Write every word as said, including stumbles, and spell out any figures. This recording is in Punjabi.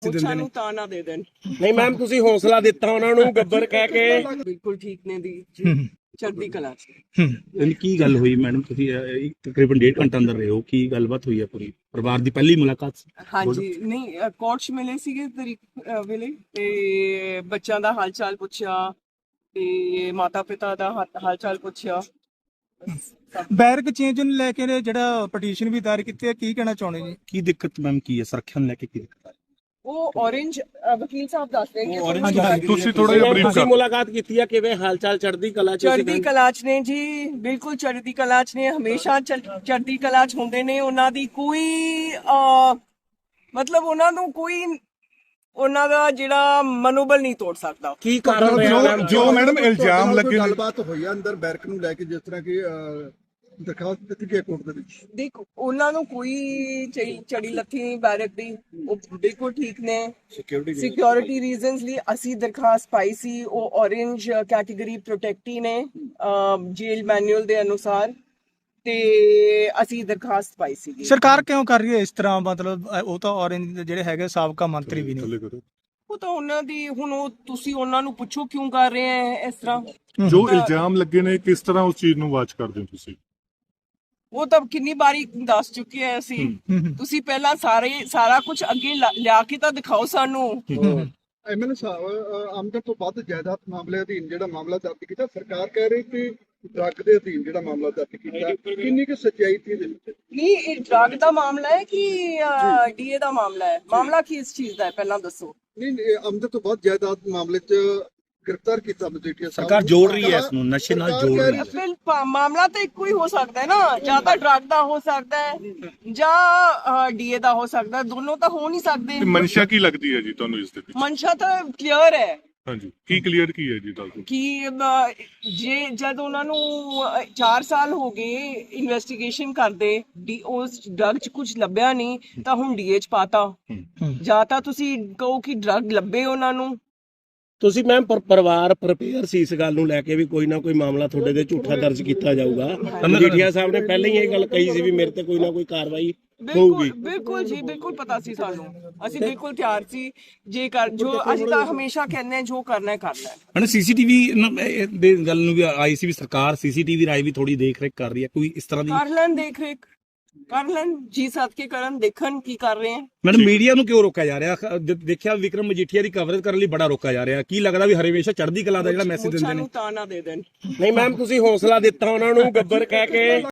ਮੈਸੇਜ ਦਿੰਦੇ ਨੇ ਤਾਂ ਨਾ ਦੇ ਦੇਣ। ਨਹੀਂ ਮੈਮ ਤੁਸੀਂ ਹੌਸਲਾ ਦਿੱਤਾ ਉਹਨਾਂ ਨੂੰ ਗੱਬਰ ਕਹਿ ਕੇ। ਬਿਲਕੁਲ ਠੀਕ ਨੇ ਦੀ ਚੜ੍ਹਦੀ ਕਲਾ ਚ। ਯਾਨੀ ਕੀ ਗੱਲ ਹੋਈ ਮੈਡਮ, ਤੁਸੀਂ ਅਹ, ਤਕਰੀਬਨ ਡੇਢ ਘੰਟਾ ਅੰਦਰ ਰਹੇ ਹੋ, ਕੀ ਗੱਲਬਾਤ ਹੋਈ ਹੈ ਪੂਰੀ? ਪਰਿਵਾਰ ਦੀ ਪਹਿਲੀ ਮੁਲਾਕਾਤ ਸੀ? ਹਾਂਜੀ ਨਹੀਂ ਕੋਰਟ ਚ ਮਿਲੇ ਸੀਗੇ ਤਰੀਕ ਅ, ਵੇਲੇ ਤੇ ਬੱਚਿਆਂ ਦਾ ਹਾਲ ਚਾਲ ਪੁੱਛਿਆ ਤੇ ਮਾਤਾ ਪਿਤਾ ਦਾ ਹਾ- ਹਾਲ ਚਾਲ ਪੁੱਛਿਆ। ਬੈਰਕ ਚੇਂਜ ਨੂੰ ਲੈ ਕੇ ਜਿਹੜਾ ਪਟੀਸ਼ਨ ਵੀ ਦਾਇਰ ਕੀਤੀ ਹੈ, ਕੀ ਕਹਿਣਾ ਚਾਹੁੰਦੇ ਜੀ? ਕੀ ਦਿੱਕਤ ਮੈਮ ਕੀ ਹੈ, ਸੁਰੱਖਿਆ ਨੂੰ ਲੈ ਕੇ ਕੀ ਦਿੱਕਤ ਹੈ? ਉਹ orange ਅ, ਵਕੀਲ ਸਾਹਿਬ ਦੱਸ ਰਹੇ ਕਿ ਹਾਂਜੀ, ਹਾਂਜੀ, ਤੁਸੀਂ ਥੋੜਾ ਜਿਹਾ ਬਰੀਫ ਤੁਸੀਂ ਕਰ ਮੁਲਾਕਾਤ ਕੀਤੀ ਆ, ਕਿਵੇਂ ਹਾਲ ਚਾਲ ਚੜ੍ਹਦੀ ਕਲਾ ਚ? ਚੜ੍ਹਦੀ ਕਲਾ ਚ ਨੇ ਜੀ, ਬਿਲਕੁਲ ਚੜ੍ਹਦੀ ਕਲਾ ਚ ਨੇ, ਹਮੇਸ਼ਾ ਚੜ੍ਹ- ਚੜ੍ਹਦੀ ਕਲਾ ਚ ਹੁੰਦੇ ਨੇ। ਉਹਨਾਂ ਦੀ ਕੋਈ ਅ, ਮਤਲਬ ਉਹਨਾਂ ਨੂੰ ਕੋਈ ਉਹਨਾਂ ਦਾ ਜਿਹੜਾ ਮਨੋਬਲ ਨਹੀਂ ਤੋੜ ਸਕਦਾ। ਕੀ ਕਾਰਨ ਰਿਹਾ ਮੈਮ? ਜੋ ਜੋ ਮੈਡਮ ਇਲਜ਼ਾਮ ਲੱਗੇ ਨੇ, ਗੱਲਬਾਤ ਹੋਈ ਆ ਅੰਦਰ ਬੈਰਕ ਨੂੰ ਲੈ ਕੇ, ਜਿਸ ਤਰ੍ਹਾਂ ਕਿ ਅਹ, ਦਰਖਾਸਤ ਦਿੱਤੀ ਗਈ ਕੋਰਟ ਦੇ ਵਿੱਚ। ਦੇਖੋ ਉਹਨਾਂ ਨੂੰ ਕੋਈ ਚੜੀ- ਚੜੀ ਲੱਥੀ ਨਹੀਂ ਬੈਰਕ ਦੀ, ਉਹ ਬਿਲਕੁਲ ਠੀਕ ਨੇ। ਸਿਕਿਉਰਿਟੀ ਰੀਜ਼ਨਸ ਲਈ ਅਸੀਂ ਦਰਖਾਸਤ ਪਾਈ ਸੀ, ਉਹ orange ਕੈਟਾਗਰੀ ਪ੍ਰੋਟੈਕਟੀ ਨੇ ਜੇਲ ਮੈਨੂਅਲ ਦੇ ਅਨੁਸਾਰ, ਤੇ ਅਸੀਂ ਦਰਖਾਸਤ ਪਾਈ ਸੀ। ਸਰਕਾਰ ਕਿਉਂ ਕਰ ਰਹੀ ਹੈ ਇਸ ਤਰ੍ਹਾਂ? ਮਤਲਬ ਅ, ਉਹ ਤਾਂ ਔਰੰਜ ਜਿਹੜੇ ਹੈਗੇ ਸਾਬਕਾ ਮੰਤਰੀ ਵੀ ਨੇ। ਉਹ ਤਾਂ ਉਹਨਾਂ ਦੀ ਹੁਣ ਉਹ ਤੁਸੀਂ ਉਹਨਾਂ ਨੂੰ ਪੁੱਛੋ ਕਿਉਂ ਕਰ ਰਹੇ ਹੈ ਇਸ ਤਰ੍ਹਾਂ। ਜੋ ਇਲਜ਼ਾਮ ਲੱਗੇ ਨੇ, ਕਿਸ ਤਰ੍ਹਾਂ ਉਸ ਚੀਜ਼ ਨੂੰ ਵਾਚ ਕਰਦੇ ਹੋ ਤੁਸੀਂ? ਉਹ ਤਾਂ ਕਿੰਨੀ ਵਾਰੀ ਦੱਸ ਚੁੱਕੇ ਆ ਅਸੀਂ। ਤੁਸੀਂ ਪਹਿਲਾਂ ਸਾਰੇ ਸਾਰਾ ਕੁਝ ਅੱਗੇ ਲਾ- ਲਿਆ ਕੇ ਤਾਂ ਦਿਖਾਓ ਸਾਨੂੰ। ਐਮਐਲਏ ਸਾਹਿਬ, ਅਹ, ਆਮਦਨ ਤੋਂ ਵੱਧ ਜਾਇਦਾਦ ਮਾਮਲੇ ਅਧੀਨ ਜਿਹੜਾ ਮਾਮਲਾ ਦਰਜ ਕੀਤਾ, ਸਰਕਾਰ ਕਹਿ ਰਹੀ ਕਿ ਡਰੱਗ ਦੇ ਅਧੀਨ ਜਿਹੜਾ ਮਾਮਲਾ ਦਰਜ ਕੀਤਾ, ਕਿੰਨੀ ਕੁ ਸੱਚਾਈ ਸੀ ਇਹਦੇ ਵਿੱਚ? ਨਹੀਂ ਇਹ ਡਰਗ ਦਾ ਮਾਮਲਾ ਹੈ ਕਿ ਡੀਏ ਦਾ ਮਾਮਲਾ ਹੈ? ਮਾਮਲਾ ਕੀ ਇਸ ਚੀਜ਼ ਦਾ ਹੈ ਪਹਿਲਾਂ ਦੱਸੋ। ਨਹੀਂ ਨਹੀਂ, ਆਮਦਨ ਤੋਂ ਵੱਧ ਜਾਇਦਾਦ ਮਾਮਲੇ 'ਚ ਗ੍ਰਿਫਤਾਰ ਕੀਤਾ ਮਜੀਠੀਆ ਸਾਹਿਬ ਸਰਕਾਰ ਨੂੰ। ਜੋੜ ਰਹੀ ਹੈ ਇਸ ਨੂੰ, ਨਸ਼ੇ ਨਾਲ ਸਰਕਾਰ ਜੋੜ ਕਹਿ ਰਹੀ ਹੈ। ਬਿਲ ਪਾ- ਮਾਮਲਾ ਤਾਂ ਇੱਕੋ ਹੀ ਹੋ ਸਕਦਾ ਹੈ ਨਾ, ਜਾਂ ਤਾਂ ਡਰਗ ਦਾ ਹੋ ਸਕਦਾ ਹੈ ਜਾਂ ਡੀਏ ਦਾ ਹੋ ਸਕਦਾ ਹੈ, ਦੋਨੋਂ ਤਾਂ ਹੋ ਨਹੀਂ ਸਕਦੇ। ਤੇ ਮਨਸ਼ਾ ਕੀ ਲੱਗਦੀ ਹੈ ਜੀ ਤੁਹਾਨੂੰ ਇਸ ਦੇ ਵਿੱਚ? ਮਨਸ਼ਾ ਤਾਂ ਕਲੀਅਰ ਹੈ ਹਾਂਜੀ, ਕੀ ਕਲੀਅਰ ਕੀ ਹੈ ਜੀ ਦੱਸੋ? ਕਿ ਅਹ, ਜੇ ਜਦ ਉਹਨਾਂ ਨੂੰ ਚਾਰ ਸਾਲ ਹੋ ਗਏ ਇਨਵੈਸਟੀਗੇਸ਼ਨ ਕਰਦੇ, ਡੀ ਉਸ ਡਰਗ 'ਚ ਕੁਝ ਲੱਭਿਆ ਨਹੀਂ ਤਾਂ ਹੁਣ ਡੀਏ 'ਚ ਪਾਤਾ। ਜਾਂ ਤਾਂ ਤੁਸੀਂ ਕਹੋ ਕਿ ਡਰਗ ਲੱਭੇ ਉਹਨਾਂ ਨੂੰ। ਤੁਸੀਂ ਮੈਮ ਪਰਿਵਾਰ ਪ੍ਰਪੇਅਰ ਸੀ ਇਸ ਗੱਲ ਨੂੰ ਲੈ ਕੇ ਵੀ ਕੋਈ ਨਾ ਕੋਈ ਮਾਮਲਾ ਤੁਹਾਡੇ ਤੇ ਝੂਠਾ ਦਰਜ ਕੀਤਾ ਜਾਊਗਾ? ਮਜੀਠੀਆ ਸਾਹਿਬ ਨੇ ਪਹਿਲਾਂ ਹੀ ਇਹ ਗੱਲ ਕਹੀ ਸੀ ਵੀ ਮੇਰੇ ਤੇ ਕੋਈ ਨਾ ਕੋਈ ਕਾਰਵਾਈ ਹੋਊਗੀ। ਬਿਲਕੁਲ ਬਿਲਕੁਲ ਜੀ, ਬਿਲਕੁਲ ਪਤਾ ਸੀ ਸਾਨੂੰ, ਅਸੀਂ ਬਿਲਕੁਲ ਤਿਆਰ ਸੀ। ਜੇ ਕਰ ਜੋ ਅਸੀਂ ਤਾਂ ਹਮੇਸ਼ਾ ਕਹਿੰਦੇ ਹਾਂ ਜੋ ਕਰਨਾ ਹੈ ਕਰਨਾ ਹੈ। ਹਣ ਸੀਸੀਟੀਵੀ ਦੇ ਗੱਲ ਨੂੰ ਵੀ ਆਈ ਸੀ ਵੀ ਸਰਕਾਰ ਸੀਸੀਟੀਵੀ ਰਾਈ ਵੀ ਥੋੜੀ ਦੇਖ ਰੇਖ ਕਰ ਰਹੀ ਹੈ, ਕੋਈ ਇਸ ਤਰ੍ਹਾਂ ਦੀ? ਕਰ ਲੈਣ ਦੇਖ ਰੇਖ, ਕਰ ਲੈਣ ਜੀ ਸੱਦ ਕੇ ਕਰਨ, ਦੇਖਣ ਕੀ ਕਰ ਰਹੇ ਹੈ। ਮੈਡਮ ਮੀਡੀਆ ਨੂੰ ਕਿਉਂ ਰੋਕਿਆ ਜਾ ਰਿਹਾ? ਖ- ਦ- ਦੇਖਿਆ ਵਿਕਰਮ ਮਜੀਠੀਆ ਦੀ ਕਵਰੇਜ ਕਰਨ ਲਈ ਬੜਾ ਰੋਕਿਆ ਜਾ ਰਿਹਾ, ਕੀ ਲੱਗਦਾ ਵੀ ਹਰੇਵੇਸ਼ਾ ਚੜ੍ਹਦੀ ਕਲਾ ਦਾ ਜਿਹੜਾ ਮੈਸੇਜ ਦਿੰਦੇ ਨੇ? ਸਾਨੂੰ ਤਾਂ ਨਾ ਦੇ ਦੇਣ। ਨਹੀਂ ਮੈਮ ਤੁਸੀਂ ਹੌਸਲਾ ਦਿੱਤਾ ਉਹਨਾਂ ਨੂੰ ਗੱਬਰ ਕਹਿ ਕੇ।